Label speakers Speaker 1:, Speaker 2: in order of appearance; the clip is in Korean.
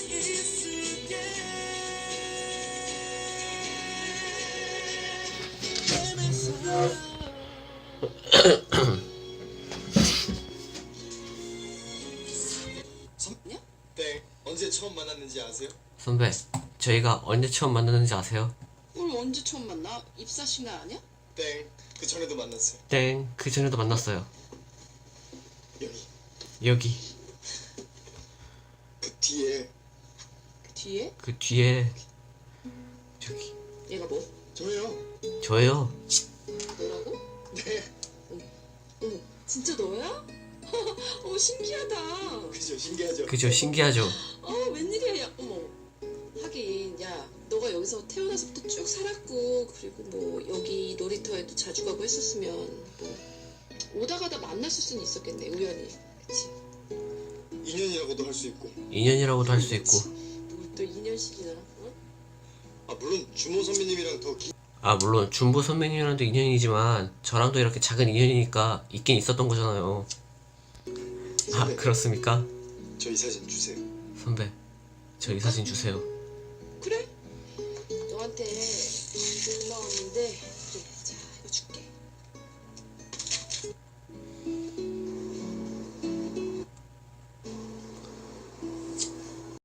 Speaker 1: 선배냐?
Speaker 2: 네, 언제 처음 만났는지 아세요?
Speaker 3: 선배, 저희가 언제 처음 만났는지 아세요?
Speaker 1: 오늘 언제 처음 만나? 입사식 날 아니야?
Speaker 2: 땡, 그 전에도 만났어요.
Speaker 3: 땡, 그 전에도 만났어요.
Speaker 2: 여기,
Speaker 3: 여기,
Speaker 2: 그 뒤에.
Speaker 1: 뒤에?
Speaker 3: 그 뒤에, 저기,
Speaker 1: 얘가 뭐?
Speaker 2: 저예요.
Speaker 3: 저예요.
Speaker 1: 너라고?
Speaker 2: 네,
Speaker 1: 어머, 진짜 너야? 신기하다.
Speaker 2: 그죠, 신기하죠?
Speaker 3: 그죠, 신기하죠?
Speaker 1: 웬일이야, 야, 어머. 하긴, 야, 너가 여기서 태어나서부터 쭉 살았고, 그리고 뭐, 여기 놀이터에도 자주 가고 했었으면, 뭐, 오다 가다 만났을 수는 있었겠네, 우연히. 그치?
Speaker 2: 인연이라고도 할 수 있고.
Speaker 3: 인연이라고도 할 수 있고.
Speaker 1: 뭘또 2년씩이나, 어?
Speaker 2: 아, 물론 주모 선배님이랑 더
Speaker 3: 아, 물론 준보 선배님이랑도 인연이지만 저랑도 이렇게 작은 인연이니까 있긴 있었던 거잖아요. 아,
Speaker 2: 선배,
Speaker 3: 그렇습니까?
Speaker 2: 저 이 사진 주세요.
Speaker 3: 선배, 저 이 사진 주세요.
Speaker 1: 그래? 너한테 고마웠는데, 좀